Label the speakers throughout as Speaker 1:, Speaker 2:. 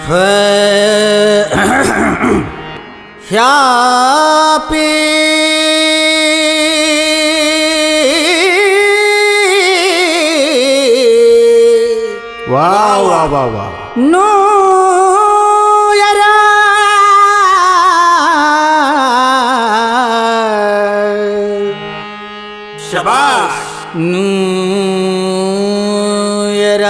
Speaker 1: happy
Speaker 2: ವಾ ವಾ ವಾ ವಾ
Speaker 1: ನ್ಯೂ ಇಯರ್
Speaker 2: ಶಬಾಷ್
Speaker 1: ನ್ಯೂ ಇಯರ್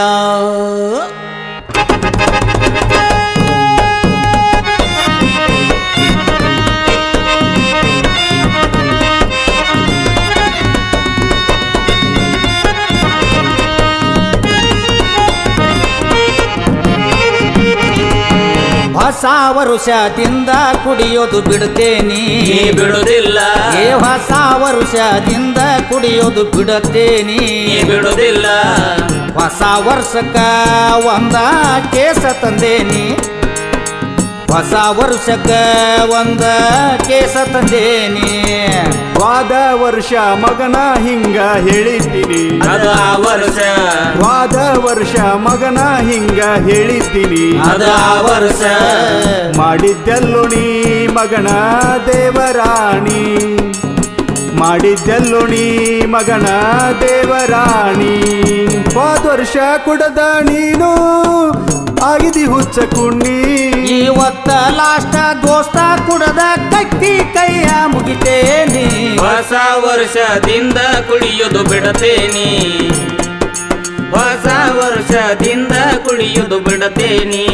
Speaker 1: ಹೊಸ ವರುಷದಿಂದ ಕುಡಿಯೋದು ಬಿಡುತ್ತೇನೆ
Speaker 3: ಬಿಡುವುದಿಲ್ಲ
Speaker 1: ಏ ಹೊಸ ವರುಷದಿಂದ ಕುಡಿಯೋದು ಬಿಡುತ್ತೇನೆ
Speaker 3: ಬಿಡುವುದಿಲ್ಲ
Speaker 1: ಹೊಸ ವರ್ಷಕ್ಕ ಒಂದ ಕೇಸ ತಂದೇನಿ ಹೊಸ ವರ್ಷಕ್ಕ ಒಂದ ಕೇಸ ತಂದೇನಿ
Speaker 2: ವಾದ ವರ್ಷ ಮಗನ ಹಿಂಗ ಹೇಳಿದ್ದೀನಿ
Speaker 3: ಅದು ಆ ವರ್ಷ
Speaker 2: ವಾದ ವರ್ಷ ಮಗನ ಹಿಂಗ ಹೇಳಿದ್ದೀನಿ
Speaker 3: ಅದು ಆ ವರ್ಷ
Speaker 2: ಮಾಡಿದ್ದೆಲ್ಲೋ ನೀ ಮಗನ ದೇವರಾಣಿ ಮಾಡಿದ್ದೆಲ್ಲೋ ನೀ ಮಗನ ದೇವರಾಣಿ ಹೋದ ವರ್ಷ ಕುಡದ ನೀನು ಆಗಿದಿ ಹುಚ್ಚ ಕುಣ್ಣಿ
Speaker 1: ಇವತ್ತ ಲಾಸ್ಟ್ ದೋಸ್ತ ಕುಡದ ಕಟ್ಟಿ ಕೈಯ ಮುಗಿತೇನಿ
Speaker 3: ಹೊಸ ವರ್ಷದಿಂದ ಕುಡಿಯೋದು ಬಿಡತೇನಿ ಹೊಸ ವರ್ಷದಿಂದ ಕುಡಿಯೋದು ಬಿಡತೇನಿ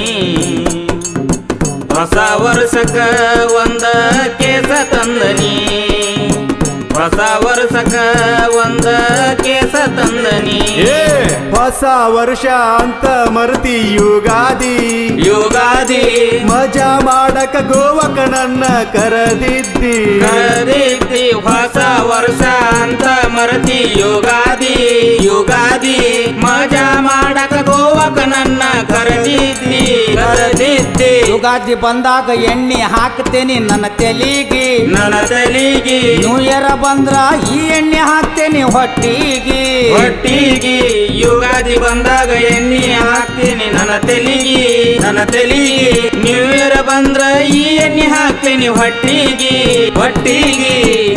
Speaker 3: ಹೊಸ ವರ್ಷಕ್ಕ ಒಂದ ಕೇಸ ತಂದನಿ ಹೊಸ ವರ್ಷಕ್ಕ ಒಂದ ಕೇಸ ತಂದನಿ
Speaker 2: ಹೊಸ ವರ್ಷ ಅಂತ ಮರ್ತಿ ಯುಗಾದಿ
Speaker 3: ಯುಗಾದಿ
Speaker 2: ಮಜಾ ಮಾಡಕ ಗೋವಕ ನನ್ನ ಕರೆದಿದ್ದಿ
Speaker 3: ಕರೆದಿದ್ದಿ ಹೊಸ ವರ್ಷ ಅಂತ ಮರತಿ ಯುಗಾದಿ ಯುಗಾದಿ ಮಜಾ ಮಾಡಕ ಗೋವಕ ನನ್ನ ಕರೆದಿದ್ದಿ ಕರೆದಿದ್ದಿ
Speaker 1: ಯುಗಾದಿ ಬಂದಾಗ ಎಣ್ಣೆ ಹಾಕ್ತೇನಿ ನನ್ನ ತೆಲಿಗೆ
Speaker 3: ನನ್ನ ತಲಿಗಿ
Speaker 1: ನ್ಯೂ ಇಯರ್ ಬಂದ್ರ ಈ ಎಣ್ಣೆ ಹಾಕ್ತೇನಿ ಹೊಟ್ಟಿಗೆ
Speaker 3: ಹೊಟ್ಟಿಗಿ ಯುಗಾದಿ ಬಂದಾಗ ಎಣ್ಣೆ ಹಾಕ್ತೀನಿ ನನ್ನ ತಲಿಗಿ ನ್ಯೂ ಇಯರ್ ಬಂದ್ರ ಈ ಎಣ್ಣೆ ಹಾಕ್ತೀನಿ ಹೊಟ್ಟಿಗಿ ಹೊಟ್ಟಿಗಿ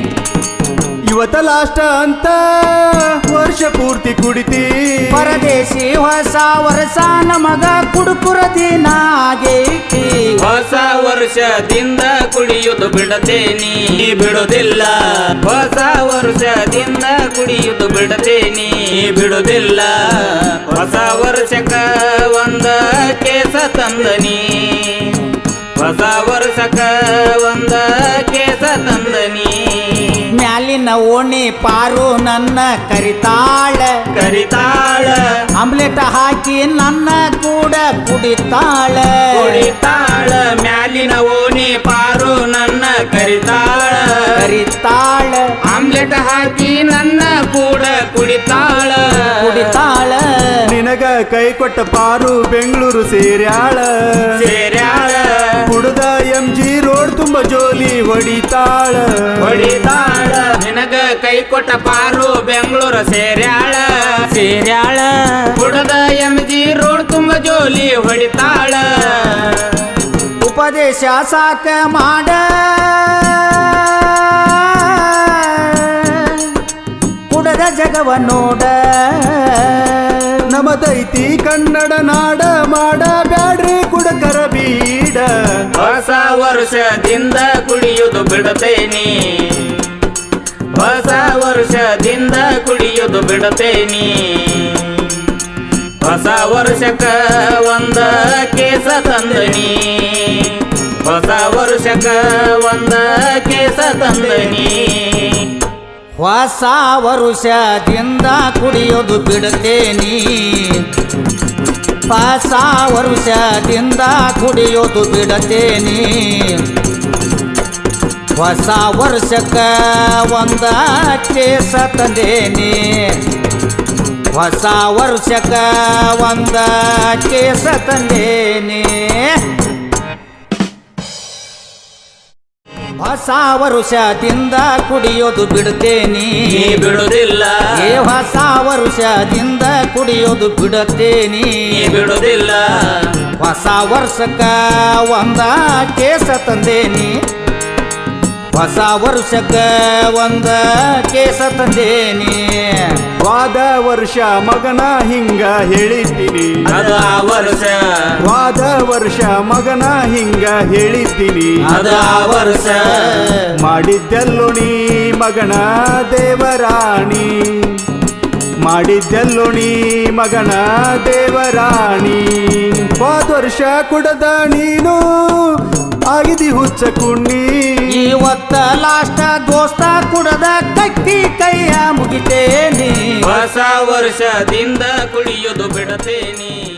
Speaker 2: ಇವತ್ತ ಲಾಸ್ಟ್ ಅಂತ ವರ್ಷ ಪೂರ್ತಿ ಕುಡಿತಿ
Speaker 1: ಪರದೇಶಿ ಹೊಸ ವರ್ಷ ನಮಗ ಕುಡುಕುರ ದಿನ ಆಗೈತಿ
Speaker 3: ಹೊಸ ವರ್ಷದಿಂದ ಕುಡಿಯುವುದು ಬಿಡತೇನಿ ಬಿಡುವುದಿಲ್ಲ ಹೊಸ ವರ್ಷದಿಂದ ಕುಡಿಯುವುದು ಬಿಡತೇನಿ ಬಿಡುವುದಿಲ್ಲ ಹೊಸ ವರ್ಷಕ್ಕ ಒಂದ ಕೇಸ ತಂದನಿ ಹೊಸ ವರ್ಷಕ್ಕ ಒಂದ ಕೇಸ ತಂದನಿ
Speaker 1: ಮ್ಯಾಲಿನ ಓಣಿ ಪಾರು ನನ್ನ ಕರಿತಾಳ
Speaker 3: ಕರಿತಾಳ
Speaker 1: ಆಮ್ಲೆಟ್ ಹಾಕಿ ನನ್ನ ಕೂಡ ಕುಡಿತಾಳ
Speaker 3: ಕುಡಿತಾಳ ಮ್ಯಾಲಿನ ಓಣಿ ಪಾರು ನನ್ನ ಕರಿತಾಳ
Speaker 1: ಕರಿತಾಳ
Speaker 3: ಆಮ್ಲೆಟ್ ಹಾಕಿ ನನ್ನ ಕೂಡ ಕುಡಿತಾಳ
Speaker 1: ಕುಡಿತಾಳ
Speaker 2: ನಿನಗ ಕೈ ಕೊಟ್ಟ ಪಾರು ಬೆಂಗಳೂರು ಸೇರ್ಯಾಳ
Speaker 3: ಸೇರ್ಯಾಳ
Speaker 2: ಕುಡ್ದ MG ರೋಡ್ ತುಂಬ ಜೋಲಿ ಹೊಡಿತಾಳ
Speaker 3: ಹೊಡಿತಾಳ ನಿನಗ ಕೈ ಕೊಟ್ಟ ಪಾರು ಬೆಂಗಳೂರು ಸೇರ್ಯಾಳ
Speaker 1: ಸೇರ್ಯಾಳ
Speaker 3: ಕುಡದ MG ರೋಡ್ ತುಂಬ ಜೋಲಿ ಹೊಡಿತಾಳ
Speaker 1: ಉಪದೇಶ ಸಾಕ ಮಾಡ ಕುಡದ ಜಗವ ನೋಡ
Speaker 2: ನಮದೈತಿ ಕನ್ನಡ ನಾಡ ಮಾಡ ಬ್ಯಾಡ್ರಿ ಕುಡಕರ ಬೀಡ
Speaker 3: ಹೊಸ ವರ್ಷದಿಂದ ಕುಡಿಯುವುದು ಬಿಡತೇನಿ ಹೊಸ ವರ್ಷದಿಂದ ಕುಡಿಯುವುದು ಬಿಡತೇನಿ ಹೊಸ ವರ್ಷಕ್ಕ ಒಂದ ಕೇಸ ತಂದನಿ ಹೊಸ ವರ್ಷಕ್ಕ ಒಂದ ಕೇಸ ತಂದನಿ
Speaker 1: ಹೊಸ ವರುಷದಿಂದ ಕುಡಿಯೋದು ಬಿಡುತ್ತೇನಿ ಹೊಸ ವರುಷದಿಂದ ಕುಡಿಯೋದು ಬಿಡುತ್ತೇನಿ ಹೊಸ ವರ್ಷಕ್ಕ ಒಂದ ಕೇಸ ತಂದೇನಿ ಹೊಸ ವರ್ಷಕ್ಕ ಒಂದ ಕೇಸ ತಂದೇನಿ ಹೊಸ ವರುಷದಿಂದ ಕುಡಿಯೋದು ಬಿಡುತ್ತೇನೆ
Speaker 3: ಬಿಡುವುದಿಲ್ಲ
Speaker 1: ಹೊಸ ವರುಷದಿಂದ ಕುಡಿಯೋದು ಬಿಡುತ್ತೇನೆ
Speaker 3: ಬಿಡುವುದಿಲ್ಲ
Speaker 1: ಹೊಸ ವರ್ಷಕ್ಕ ಒಂದ ಕೇಸ ತಂದೇನಿ ಹೊಸ ವರ್ಷಕ್ಕ ಒಂದ ಕೇಸ ತಂದೇನಿ
Speaker 2: ವಾದ ವರ್ಷ ಮಗನ ಹಿಂಗ ಹೇಳಿದ್ದೀನಿ
Speaker 3: ಅದ ಆ ವರ್ಷ
Speaker 2: ವಾದ ವರ್ಷ ಮಗನ ಹಿಂಗ ಹೇಳಿದ್ದೀನಿ
Speaker 3: ಅದ ಆ ವರ್ಷ
Speaker 2: ಮಾಡಿದ್ದೆಲ್ಲೋ ನೀ ಮಗನ ದೇವರಾಣಿ ಮಾಡಿದ್ದೆಲ್ಲೋ ನೀ ಮಗನ ದೇವರಾಣಿ ಹೋದ ವರ್ಷ ಕುಡದ ನೀನು ಆಗಿದಿ ಹುಚ್ಚ ಕುಣ್ಣಿ
Speaker 1: ಇವತ್ತ ಲಾಸ್ಟ್ ದೋಸ್ತ ಕುಡದ ಕಟ್ಟಿ ಕೈಯ ಮುಗಿತೇನಿ
Speaker 3: ಹೊಸ ವರ್ಷದಿಂದ ಕುಡಿಯೋದು ಬಿಡತೇನಿ